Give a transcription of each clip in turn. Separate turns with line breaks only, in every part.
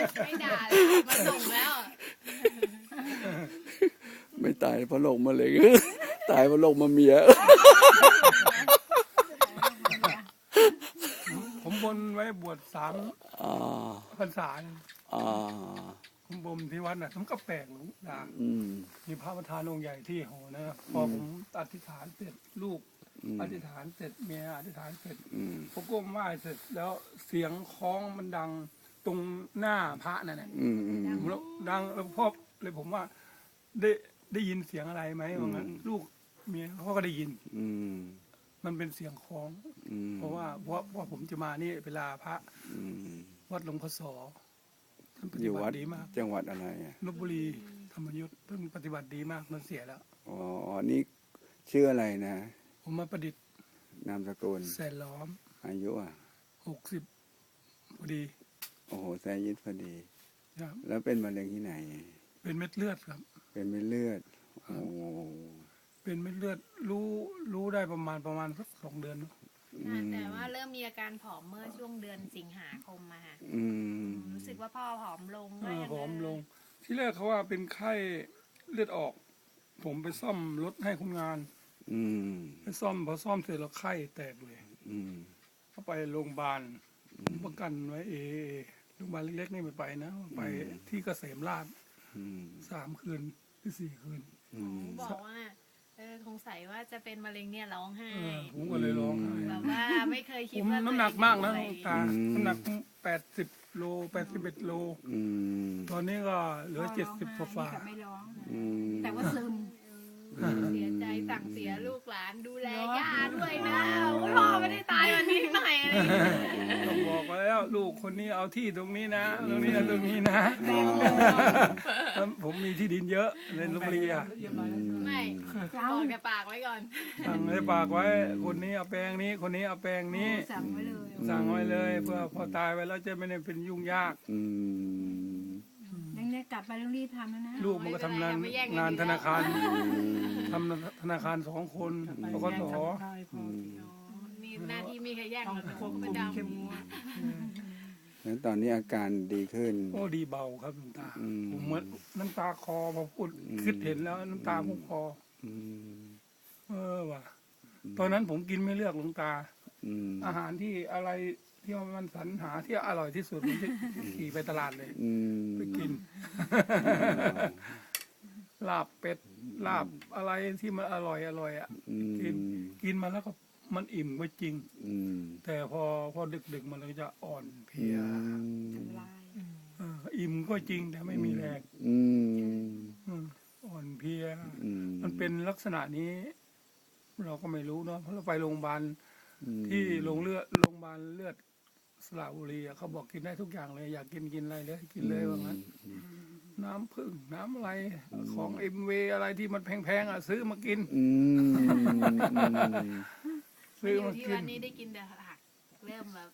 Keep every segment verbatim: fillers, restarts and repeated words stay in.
ไม่ด่าแล้วมาส่งแล้ว
ไม่ตายเพราะโรคมะเร็งตายเพราะโรคมะเมีย
ผมบนไว้บวชสามพรรษาผมบนที่วัดน่ะผมก็แปลกหลวงตามีพระประธานองค์ใหญ่ที่หอนะพอผมอธิษฐานเสร็จลูกอธิษฐานเสร็จเมียอธิษฐานเสร็จผมก้มไหว้เสร็จแล้วเสียงคล้องมันดังตรงหน้าพระนั่นแหละแล้วดังแล้วพ่อเลยผมว่าได้ได้ยินเสียงอะไรไหมว่างั้นลูกเมียเขาก็ได้ยินมันเป็นเสียงคล้องเพราะว่าเพราะว่าผมจะมานี่เวลาพระวัดหลวงพ่อสอท่านปฏิบัติดีมาก
จังหวัดอะไร
ลพบุรีธรรมยุทธเพิ่งปฏิบัติดีมากมันเสียแล้ว
อ๋อนี่ชื่ออะไรนะ
ผมมาประดิษฐ์
นามสกุล
แสนล้อม
อายุอ่ะ
หกสิบพอดี
โอ้โหแสนยิดพอดีแล้วเป็นมะเร็งที่ไหน
เป็นเม็ดเลือดครับ
เป็นเม็ดเลือดโอ้
เป็นเม็ดเลือดรู้รู้ได้ประมาณประมาณสักสองเดือน
แต่ว่าเริ่มมีอาการผอมเมื่อช่วงเดือนสิงหาคมมาค่ะรู้สึกว่าพ่อผอมลง
ผอมลงที่แรกเขาว่าเป็นไข้เลือดออกผมไปซ่อมรถให้คนงานไปซ่อมพอซ่อมเสร็จแล้วไข้แตกเลยเขาไปโรงพยาบาลประกันไว้เอโรงพยาบาลเล็กๆนี่ไม่ไปนะไปที่เกษมราชสามคืนหรือสี่คืน
บอกว่าเออสงสัยว่าจะเป็นมะเร็งเนี่ยร้องไห้
ผมก็เลยร้องไห้
แบบว่าไม่เคยคิด
ว่าน้ำหนักมากนะตาน้ำหนักแปดสิบโลแปดสิบเอ็ดโลตอนนี้ก็เหลือเจ็ดสิบกว่า
ไม่ร้องแต่ว่าซึม
เสียใจสั่งเสียลูกหลานดูแลย่าด้วยนะพ่อไม่ได้ตายวันนี้หน่อย
ต้องบอกแล้วลูกคนนี้เอาที่ตรงนี้นะตรงนี้ตรงนี้นะผมมีที่ดินเยอะในลพบุรีอ่ะ
ไม่บอกแต่ปากไว้ก่อน
สั่งไว้ปากไว้คนนี้เอาแปลงนี้คนนี้เอาแปลงนี้
สั่งไว้เลย
สั่งไว้เลยเพื่อพอตายไปแล้วจะไม่ได้เป็นยุ่งยาก
เล็กๆกลับไปต้องรีบทำนะ
ลูกมันก็ทำงานงานธนาคารทำธนาคารสองคนปกติ
มีหน้าที่มีใครแย่งควบคุมเข้มงวด
แล้วตอนนี้อาการดีขึ้น
โอ้ดีเบาครับน้ำตาผมเหมือนน้ำตาคอพอพูดคิดเห็นแล้วน้ำตาพุ่งคอเออว่ะตอนนั้นผมกินไม่เลือกหลวงตาอาหารที่อะไรที่มันสรรหาที่อร่อยที่สุดผมจะขี่ไปตลาดเลยไปกินลาบเป็ดลาบอะไรที่มันอร่อยอร่อยอ่ะกินกินมาแล้วก็มันอิ่มก็จริงแต่พอพอดึกๆมันก็จะอ่อนเพลียอิ่มก็จริงแต่ไม่มีแรงอ่อนเพลียมันเป็นลักษณะนี้เราก็ไม่รู้เนาะเพราะเราไปโรงพยาบาลที่โรงเลือดโรงพยาบาลเลือดสระบุรีเขาบอกกินได้ทุกอย่างเลยอยากกินกินอะไรเลยกินเลยว่างั้นน้ำผึ้งน้ำอะไรของเอ็มเวอะไรที่มันแพงๆอ่ะซื้อมากิน
ซื้อมากินวันนี้ได้กินแต่ผักเริ่มแบบ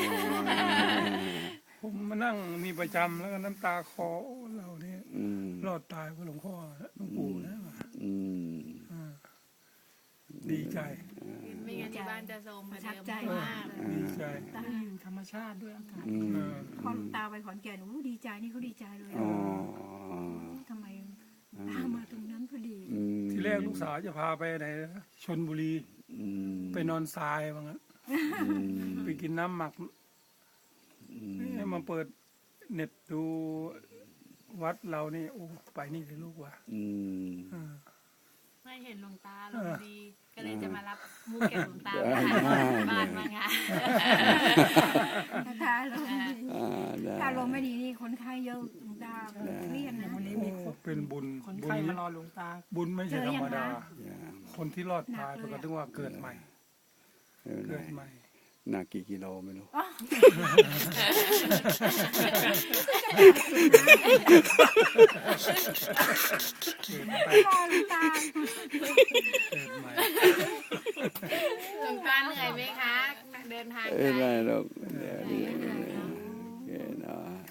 ผมมานั่งมีประจำแล้วก็น้ำตาคอเราเนี่ยรอดตายเพราะหลวงพ่อหลวงปู่นะดีใจ
ไม่งั้นที่บ้านจะโทรมประทับใจมาก
ดีใจ
ตาอยู่ธรรมชาติด้วยอากาศพอตาไปขอนแก่นโอ้ดีใจนี่เขาดีใจเลยทำไมตามาตรงนั้นพอดี
ที่แรกลูกสาวจะพาไปไหนชลบุรีไปนอนทรายว่างั้นไปกินน้ำหมักให้มาเปิดเน็ตดูวัดเรานี่โอ้ไปนี่เลยลูกว่ะ
ไม่เห็นหลวงตาลงดีก็เลยจะมารับมูเก็บหลวงตาบ้านมาค่ะ
ตาลงตาลงไม่ดีนี่คนไข้เยอะหลวงตาเครียดนะ
วันนี้มีเป็นบุญ
คนไข้มารอหลวงตา
บุญไม่ใช่ธรรมดาคนที่รอดตายปกติว่าเกิดใหม่เกิดใหม่
หนักกี่กิโลไม่รู้
หลวงตาเหนื่อยไหมคะเดินทางไกล
ไม่ได้หรอกเดี๋ยวนี้